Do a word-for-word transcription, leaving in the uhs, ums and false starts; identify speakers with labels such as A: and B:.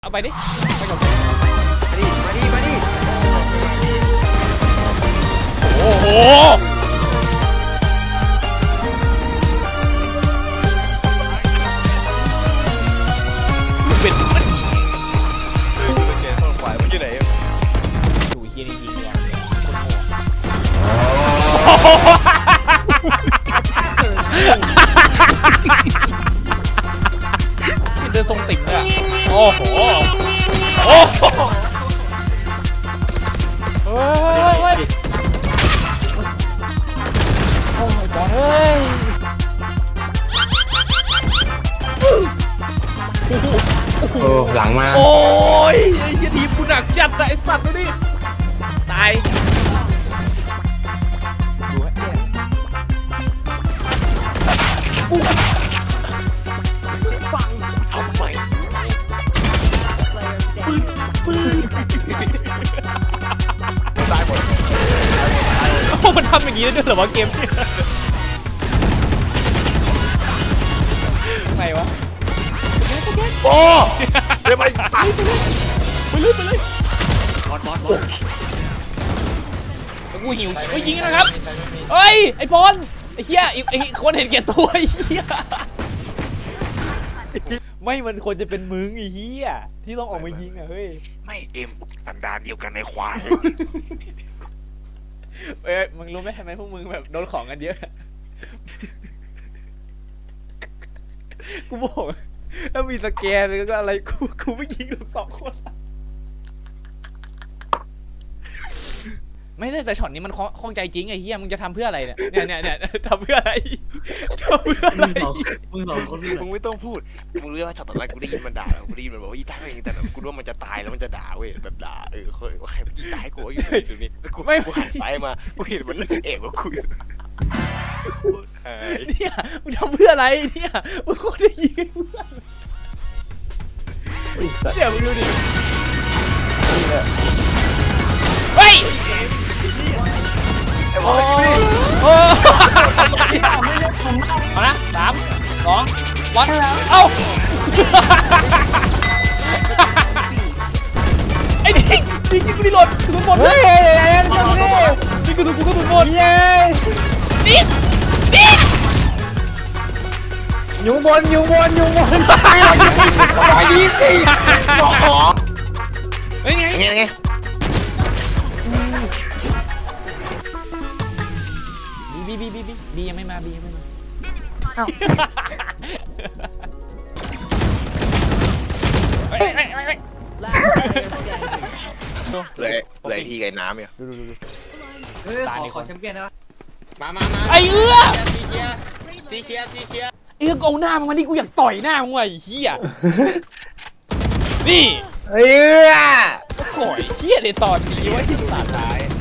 A: เอาไปดิไปกับ
B: มาดิมาดิมาดิ
A: โอ้โหเป็นมัน
B: โอเคต้องไหวมันอยู่ไหน
A: ดูเฮียนี่ยิงดีกว่าเดินทรงติ่งเลยโอ้โหโอ้โหเฮ้ยเฮ้ยโอ้ยบอลเฮ้ย
C: โอ้หลังมา
A: โอ้ยไอ้เหี้ยทีมกูหนักจัดนะไอ้สัตว์ดูดิตายดูฮะเนี่ยฟังทำไมปืนปืน
B: ตายหมด
A: โอ้มันทำอย่างนี้ได้ด้วยเหรอวะเกมไงวะ
B: โอ้เดี๋ยวไป
A: ไปเลยไปเลยบอลบอลบอลกูหิวกูยิงนะครับเฮ้ยไอ้บอลไอ้เหี้ยไอ้คนเห็นแก่ตัวไอ้เหี้ยไม่มันควรจะเป็นมึงไอ้เหี้ยที่ต้องออกมายิงอ่ะเฮ้ย
B: ไม่เอ็มสันดานเดียวกันในควาย
A: เอ้ยมึงรู้ไหมทำไมพวกมึงแบบโดนของกันเยอะกูบอกถ้ามีสแกนแล้วก็อะไรกูกูไม่ยิงหรอกสองคนไม่ได้แต่ช็อตนี้มันคล่องใจจริงไอ้เหี้ยมึงจะทำเพื่ออะไรเนี่ยเนี่ยเนี่ยเนี่ยทำเพื่ออะไรทำเพื่ออะไร
C: มึงสองคน
B: มึงไม่ต้องพูดมึงรู้ว่าช็อตตอนแรกกูได้ยินมันด่ากูได้ยินมันบอกว่าอีตายไม่ยิงแต่กูรู้ว่ามันจะตายแล้วมันจะด่าเว้ยแบบด่าเออเขาใครมันยิงตายกูอยู่ตรงนี้แล้วกูไม่กูหันซ้ายมากูเห็นมันเอ๋ว่ากู
A: เนี่ยมึงทำเพื่ออะไรเนี่ยมึงก็ได้ยิงเดี๋ยวมึงดูดิเฮ้ยโอ้โหเอานะสามสองวันเอ้าไอ้ดิ๊กดิ๊กกูรีโหลดกระสุนหมดเฮ้ยดิ๊กกระสุนกูกระสุนหมดเย้ดิ๊กดิ๊ก
C: อยู่บนอยู่บนอยู่บน
B: ร้อยยี่สิบร้อยยี่สิบหรอ
A: เฮ้ยไง
B: ไงไง
A: บีบีบีบีบียังไม่มาบียังไม่มาเฮ้ยเฮ้ยเฮ้ย
B: เลยเลยที่ไก่น้ำเนี่ย
A: ดูดูดู
C: เฮ้ยขอขอแชมเปี้ยนได้ปะ
A: มามามาไอ้เอื้อซีเคียซีเคียซีเคียเอื้อเอาหน้ามึงมาดิกูอยากต่อยหน้ามึงว่ะไอ้เหี้ยนี่
C: เอื้อ
A: โอ้ยเหี้ยเดี๋ยวต่อทีไว้ที่ตาท้าย